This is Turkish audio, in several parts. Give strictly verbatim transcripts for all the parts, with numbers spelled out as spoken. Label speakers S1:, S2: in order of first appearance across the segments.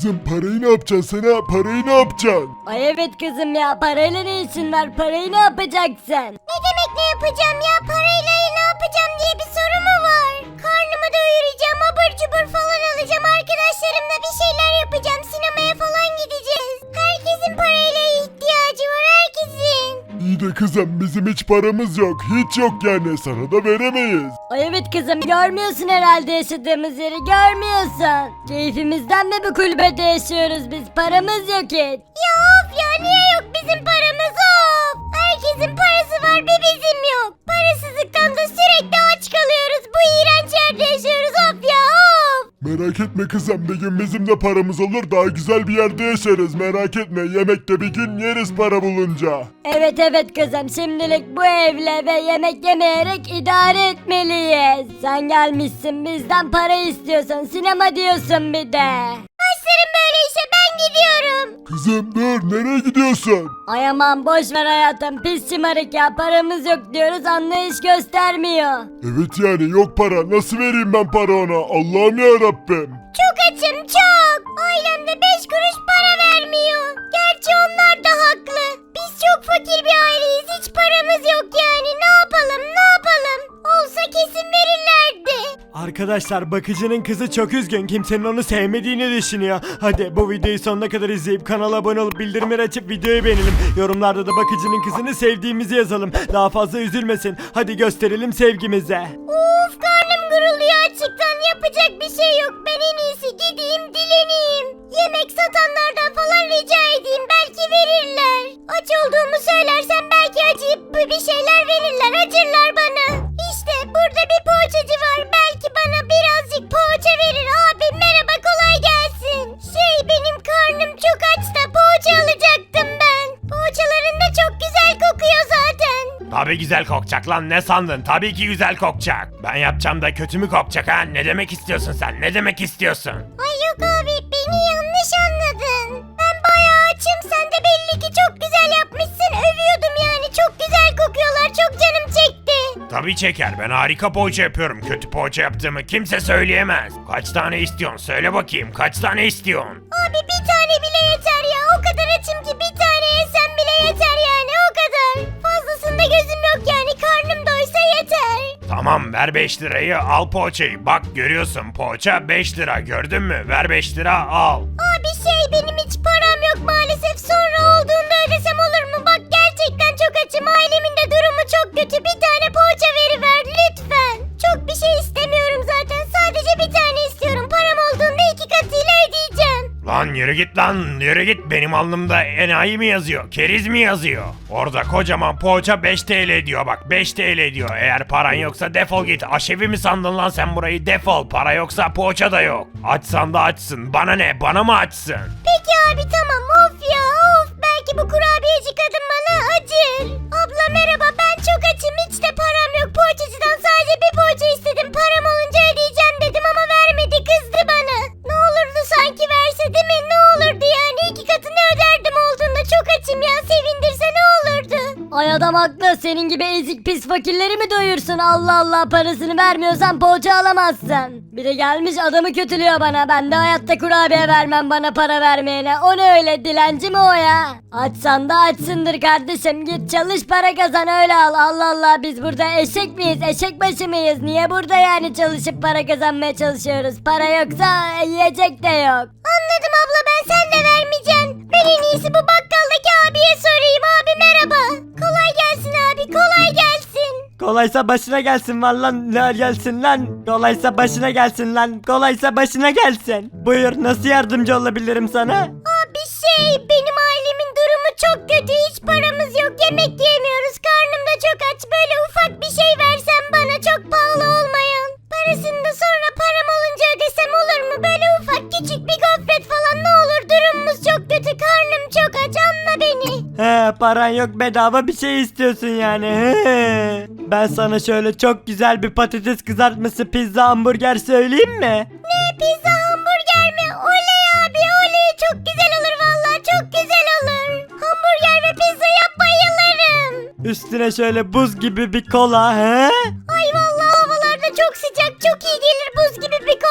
S1: Kızım parayı ne yapacaksın sen ha? Parayı ne yapacaksın?
S2: Ay evet kızım ya, parayla ne işin var, parayı ne yapacaksın?
S3: Ne demek ne yapacağım ya? Parayla ne yapacağım diye bir soru mu var? Karnımı doyuracağım, abur cubur falan alacağım. Arkadaşlarımla bir şeyler yapacağım. Sinemaya falan gideceğiz. Herkesin parayla ihtiyacı var, herkesin.
S1: İyi de kızım bizim hiç paramız yok. Hiç yok yani sana da veremeyiz.
S2: Ay evet kızım, görmüyorsun herhalde yaşadığımız yeri, görmüyorsun. Keyfimizden mi bu kulübede yaşıyoruz biz, paramız yok hiç.
S3: Ya of ya, niye yok bizim paramız of? Herkesin parası var, bir bizim yok. Parasızlıktan da sürekli aç kalıyoruz. Bu iğrenç yerde yaşıyoruz of ya of.
S1: Merak etme kızım bir gün bizim de paramız olur daha güzel bir yerde yaşarız merak etme yemekte bir gün yeriz para bulunca.
S2: Evet evet kızım, şimdilik bu evle ve yemek yemeyerek idare etmeliyiz. Sen gelmişsin bizden para istiyorsun, sinema diyorsun bir de.
S3: Başlarım böyle işe, ben gidiyorum.
S1: Kızım dur nereye gidiyorsun?
S2: Ay aman boş ver hayatım, pis şımarık ya, paramız yok diyoruz, anlayış göstermiyor.
S1: Evet yani yok para nasıl vereyim ben para ona Allah'ım ya Rabbim.
S3: Çok açım çok. Ailem de beş kuruş para vermiyor. Gerçi onlar da haklı. Biz çok fakir bir aileyiz. Hiç paramız yok yani. Ne yapalım ne yapalım? Olsa kesin verirlerdi.
S4: Arkadaşlar bakıcının kızı çok üzgün, kimsenin onu sevmediğini düşünüyor. Hadi bu videoyu sonuna kadar izleyip kanala abone olup bildirimleri açıp videoyu beğenelim. Yorumlarda da bakıcının kızını sevdiğimizi yazalım. Daha fazla üzülmesin. Hadi gösterelim sevgimizi.
S3: Uf, karnım gurulduyor açıktan. Yapacak bir şey yok. Ben en iyisi gideyim dileneyim. Yemek satanlardan falan rica edeyim. Belki verirler. Aç olduğumu söylersem belki acıyıp bir şeyler verirler. Acırlar bana. İşte burada bir poğaçacı var. Belki bana birazcık poğaça verir. Abi merhaba, kolay gelsin. Şey, benim karnım çok aç da poğaça alacaktım ben. Poğaçaların da çok güzel kokuyor zaten.
S5: Tabii güzel kokacak lan, ne sandın? Tabii ki güzel kokacak. Ben yapacağım da kötü mü kokacak ha? Ne demek istiyorsun sen? Ne demek istiyorsun?
S3: Ay yok abi, beni yanlış anladın. Ben bayağı açım, sen de belli ki çok güzel yapmışsın. Övüyordum yani, çok güzel kokuyorlar, çok canım çekti.
S5: Tabii çeker. Ben harika poğaça yapıyorum. Kötü poğaça yaptığımı kimse söyleyemez. Kaç tane istiyorsun? Söyle bakayım. Kaç tane istiyorsun?
S3: Abi bir tane bile yeter ya, o kadar açım ki bir tane yesem bile yeter yani, o kadar. Fazlasında gözüm yok yani, karnım doysa yeter.
S5: Tamam, ver beş lirayı, al poğaçayı. Bak görüyorsun, poğaça beş lira, gördün mü? Ver beş lira, al.
S3: Abi şey, benim hiç param yok maalesef, sonra olduğunda ödesem olur mu? Bak gerçekten çok açım, ailemin de durumu çok kötü, bir tane poğaça veriver lütfen. Çok bir şey istemiyorum zaten, sadece bir tane istiyorum, param olduğunda iki katıyla ödeyeceğim.
S5: Lan yürü git lan, yürü git. Benim alnımda enayi mi yazıyor, keriz mi yazıyor? Orada kocaman poğaça beş T L diyor, bak beş T L diyor. Eğer paran yoksa defol git. Aşevi mi sandın lan sen burayı? Defol. Para yoksa poğaça da yok. Açsan da açsın. Bana ne? Bana mı açsın?
S3: Peki abi tamam, of ya of, belki bu kurabiyeci kadın bana acır. Abla merhaba, ben çok açım, hiç de param yok, poğaçacıdan sadece bir poğaça istedim, param olunca ödeyeceğim dedim ama vermedi, kızdı bana. Ne olurdu sanki verse değil mi, ne olurdu yani, iki katını öderdim olduğunda, çok açım ya, sevindirse ne olurdu.
S2: Ay adam haklı, senin gibi ezik pis fakirleri mi doyursun? Allah Allah, parasını vermiyorsan poğaça alamazsın. Bir de gelmiş adamı kötülüyor bana, ben de hayatta kurabiye vermem bana para vermeyene. O ne öyle, dilenci mi o ya? Açsan da açsındır kardeşim, git çalış para kazan öyle al. Allah Allah, biz burada eşek miyiz, eşek başı mıyız? Niye burada yani çalışıp para kazanmaya çalışıyoruz? Para yoksa yiyecek de yok.
S3: Anladım abla, ben sen de vermeyeceksin. Ben en iyisi bu bakkaldaki abiye sorayım. Abi merhaba. Kolay gelsin abi, kolay gelsin.
S4: Kolaysa başına gelsin var lan, ne gelsin lan? Kolaysa başına gelsin lan. Kolaysa başına gelsin. Buyur, nasıl yardımcı olabilirim sana?
S3: Abi şey, benim ailemin durumu çok kötü, hiç paramız yok, yemek yiyemiyoruz, karnım da çok aç, böyle ufak bir şey versen bana, çok pahalı olmayan. Parasını da sonra param olunca ödesem olur mu? Böyle ufak küçük bir gofret falan, ne olur, durumumuz çok kötü, karnım çok aç, anla beni.
S4: He, paran yok, bedava bir şey istiyorsun yani. He. Ben sana şöyle çok güzel bir patates kızartması, pizza, hamburger söyleyeyim mi?
S3: Ne, pizza hamburger mi? Oley abi oley, çok güzel olur vallahi, çok güzel olur. Hamburger ve pizza yap, bayılırım.
S4: Üstüne şöyle buz gibi bir kola, he?
S3: Ay vallahi havalarda çok sıcak, çok iyi gelir buz gibi bir kola.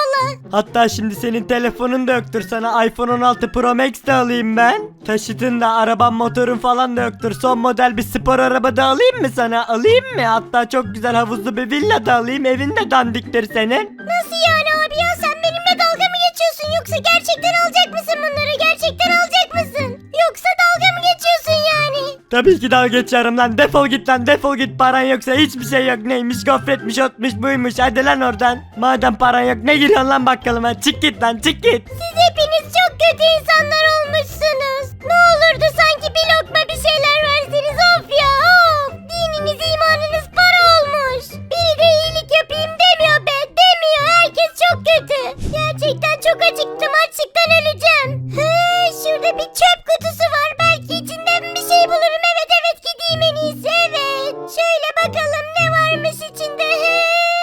S4: Hatta şimdi senin telefonun da yoktur, sana iPhone on altı Pro Max de alayım ben. Taşıtın da araban motorun falan da yoktur. Son model bir spor araba da alayım mı sana? Alayım mı? Hatta çok güzel havuzlu bir villa da alayım. Evin de dandiktir senin.
S3: Nasıl yani abi ya, sen benimle dalga mı geçiyorsun yoksa gerçekten alacak mısın bunları? Gerçekten alacak mısın? Yoksa dalga mı geçiyorsun yani?
S4: Tabii ki dalga geçiyorum lan. Defol git lan, defol git. Paran yoksa hiçbir şey yok. Neymiş, gofretmiş, otmuş, buymuş. Hadi lan oradan. Madem paran yok ne giriyorsun lan bakkalıma? Çık git lan, çık git.
S3: Siz hepiniz çok kötü insanlar olmuşsunuz. Ne olurdu sanki bir lokma bir şeyler verseniz, of ya of. Dininiz imanınız para olmuş. Biri de iyilik yapayım demiyor be, demiyor. Herkes çok kötü. Gerçekten çok acıktım, açlıktan öleceğim. He, şurada bir çöp kutusu var. Belki içinden bir şey bulurum. Evet evet, gideyim en iyisi, evet. Şöyle bakalım ne varmış içinde. He.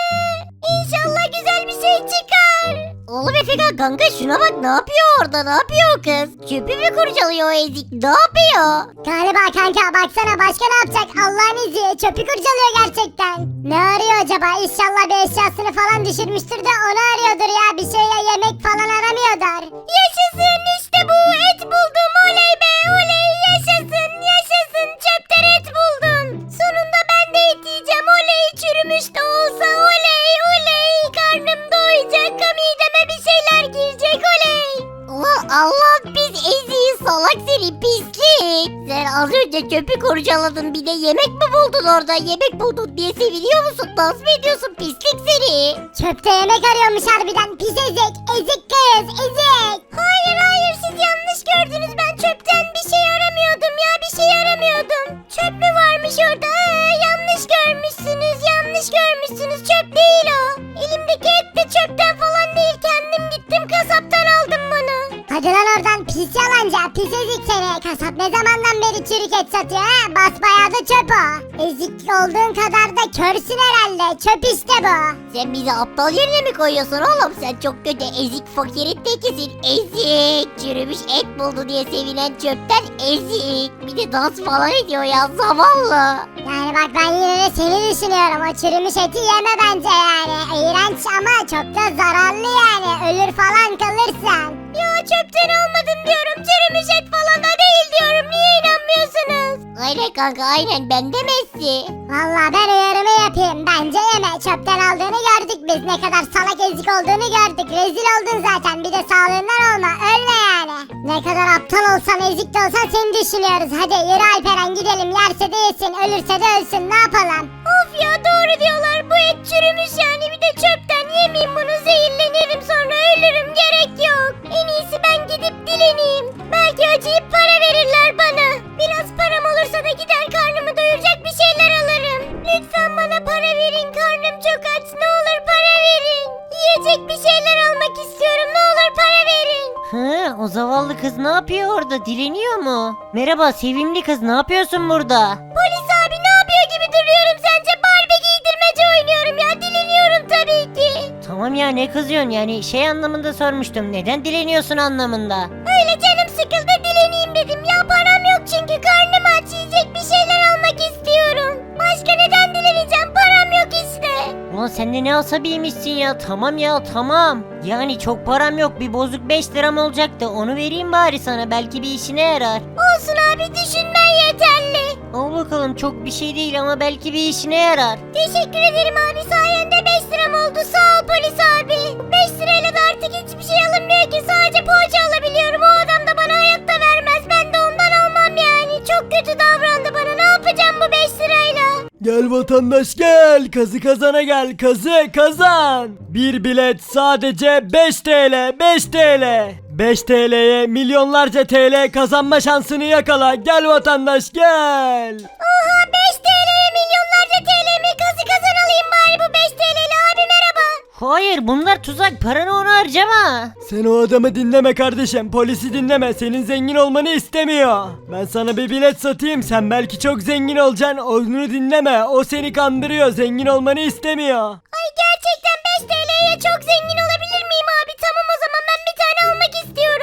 S3: İnşallah güzel bir şey çıkar. Oğlum Efekan kanka, şuna bak, ne yapıyor orada, ne yapıyor o kız? Çöpü mü kurcalıyor o ezik, ne yapıyor? Galiba kanka, baksana başka ne yapacak, Allah'ın izniyle çöpü kurcalıyor gerçekten. Ne arıyor acaba? İnşallah bir eşyasını falan düşürmüştür de onu arıyordur ya, bir şey ya, yemek falan aramıyordur. Yaşasın, işte bu, et buldum, oley be oley, yaşasın yaşasın, çöpten et buldum. Sonunda ben de et yiyeceğim, oley, çürümüş de olsa oley oley, karnım doyacak, mideme bir şeyler girecek, oley. Allah Allah, biz eziği, salak seni, pislik. Sen az önce çöpü kurcaladın, bir de yemek mi buldun orada? Yemek buldun diye seviniyor musun? Dans mı ediyorsun, pislik seni? Çöpte yemek arıyormuş harbiden, pis ezik, ezik kız, ezik. Hayır hayır, siz yanlış gördünüz, ben çöpten bir şey aramıyordum ya, bir şey aramıyordum. Çöp mü varmış orada? Ha, yanlış görmüşsünüz, yanlış görmüşsünüz, çöp değil o. Elimdeki et de çöpten falan değil, kendim gittim kasaptan aldım bunu. Hadi lan oradan, pis yalancı, pis ezik seni. Kasap ne zamandan beri çürük et satıyor ha? Basbayağı da çöp o. Ezik olduğun kadar da körsün herhalde, çöp işte bu. Sen bizi aptal yerine mi koyuyorsun oğlum? Sen çok kötü ezik fakirin tekisin, ezik. Çürümüş et buldu diye sevinen çöpten ezik. Bir de dans falan ediyor ya, zavallı. Yani bak, ben yine de seni düşünüyorum, o çürümüş eti yeme bence yani. İğrenç ama çok da zararlı yani, ölür falan kalırsan. Ya çöpten almadım diyorum, çürümüş et falan da değil diyorum, niye inanmıyorsunuz? Aynen kanka, aynen, ben demezsi. Valla ben uyarımı yapayım, bence yeme, çöpten aldığını gördük biz, ne kadar salak ezik olduğunu gördük, rezil oldun zaten, bir de sağlığından olma, ölme yani. Ne kadar aptal olsan, ezik de olsan seni düşünüyoruz, hadi yürü Alperen gidelim, yerse de yesin, ölürse de ölsün, ne yapalım? Of ya, doğru diyorlar, bu et çürümüş yani, bir de çöpten yemeyeyim bunu, zehirlenirim sonra ölürüm, gerek yok. En iyisi ben gidip dileneyim, belki acıyıp para verirler bana. Biraz param olursa da gider karnımı doyuracak bir şeyler alırım. Lütfen bana para verin, karnım çok aç, ne olur para verin. Yiyecek bir şeyler almak istiyorum, ne olur para verin.
S6: Hı, o zavallı kız ne yapıyor orada? Dileniyor mu? Merhaba sevimli kız, ne yapıyorsun burada?
S3: Polis abi, ne yapıyor gibi duruyorum sence? Barbie giydirmece oynuyorum ya, dileniyorum tabii ki.
S6: Tamam ya, ne kızıyorsun yani, şey anlamında sormuştum, neden dileniyorsun anlamında.
S3: Öyle canım sıkıldı, dileneyim dedim ya, param yok çünkü, karnım aç, yiyecek bir şeyler almak istiyorum. Başka neden dileneceğim, param yok işte.
S6: Ulan sen de ne asabiymişsin ya, tamam ya tamam. Yani çok param yok, bir bozuk beş liram olacaktı, onu vereyim bari sana, belki bir işine yarar.
S3: Olsun abi, düşünmen yeterli.
S6: Al bakalım, çok bir şey değil ama belki bir işine yarar.
S3: Teşekkür ederim abi, sayende beş liram oldu, sağ ol polis abi. beş lirayla da artık hiçbir şey alınmıyor ki, sadece poğaça alabiliyorum, o adam da bana hayatta vermez, ben de ondan almam yani. Çok kötü davrandı bana, ne yapacağım bu beş lirayla?
S4: Gel vatandaş gel, kazı kazana gel, kazı kazan. Bir bilet sadece beş TL, beş TL. beş TL'ye milyonlarca T L kazanma şansını yakala, gel vatandaş gel.
S3: Oha, beş TL'ye milyonlarca T L mi? Kazı kazan alayım bari bu beş T L'li abi, merhaba.
S6: Hayır, bunlar tuzak, paranı ona harcama.
S4: Sen o adamı dinleme kardeşim, polisi dinleme, senin zengin olmanı istemiyor. Ben sana bir bilet satayım, sen belki çok zengin olacaksın, onu dinleme, o seni kandırıyor, zengin olmanı istemiyor.
S3: Ay, gerçekten beş T L'ye çok zengin olabilir miyim abi? Tamam, o zaman ben bir tane almak istiyorum.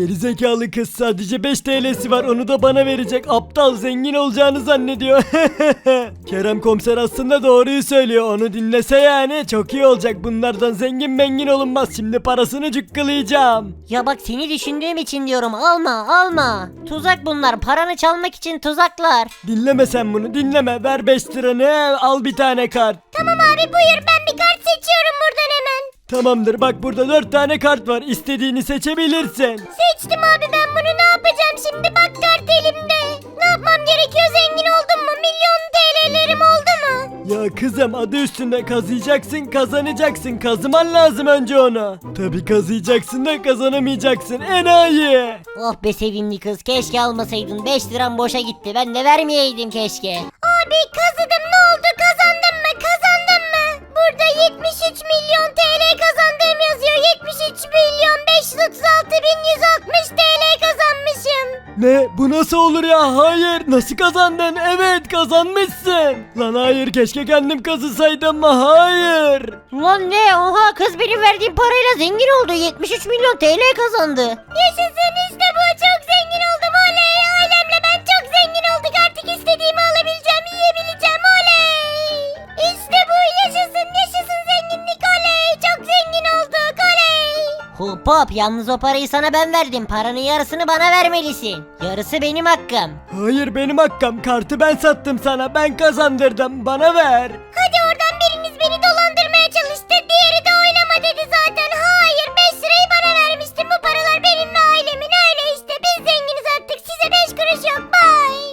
S4: Gerizekalı kız sadece beş T L'si var onu da bana verecek. Aptal zengin olacağını zannediyor. Kerem komiser aslında doğruyu söylüyor. Onu dinlese yani çok iyi olacak. Bunlardan zengin mengin olunmaz. Şimdi parasını cukkalayacağım.
S6: Ya bak seni düşündüğüm için diyorum alma alma. Tuzak bunlar paranı çalmak için tuzaklar.
S4: Dinleme sen bunu dinleme. Ver beş liranı al bir tane kart.
S3: Tamam abi buyur ben bir kart seçiyorum buradan hemen.
S4: Tamamdır bak burada dört tane kart var. İstediğini seçebilirsin.
S3: Seçtim abi ben bunu ne yapacağım şimdi bak kart elimde. Ne yapmam gerekiyor zengin oldum mu? Milyon T L'lerim oldu mu?
S4: Ya kızım adı üstünde kazıyacaksın kazanacaksın. Kazıman lazım önce onu. Tabi kazıyacaksın da kazanamayacaksın enayi.
S6: Oh be sevimli kız keşke almasaydın beş liram boşa gitti ben de vermeyeydim keşke.
S3: Abi kazıdım ne oldu kazandım mı kazandım mı? Burada yetmiş üç milyon T L kazandığım yazıyor. yetmiş üç milyon beş yüz otuz altı bin yüz altmış T L kazanmışım.
S4: Ne bu nasıl olur ya hayır nasıl kazandın evet kazanmışsın. Lan hayır keşke kendim kazısaydım ama hayır.
S6: Lan ne oha kız benim verdiğim parayla zengin oldu yetmiş üç milyon T L kazandı.
S3: Yaşasın işte bu çok zengin oldum oley. Ailemle ben çok zengin olduk artık istediğimi alabileceğim yiyebileceğim oley. İşte bu yaşasın yaşasın zenginlik oley. Çok zengin olduk oley.
S6: Hop hop yalnız o parayı sana ben verdim paranın yarısını bana vermelisin. Yarısı benim hakkım.
S4: Hayır benim hakkım kartı ben sattım sana ben kazandırdım bana ver.
S3: Hadi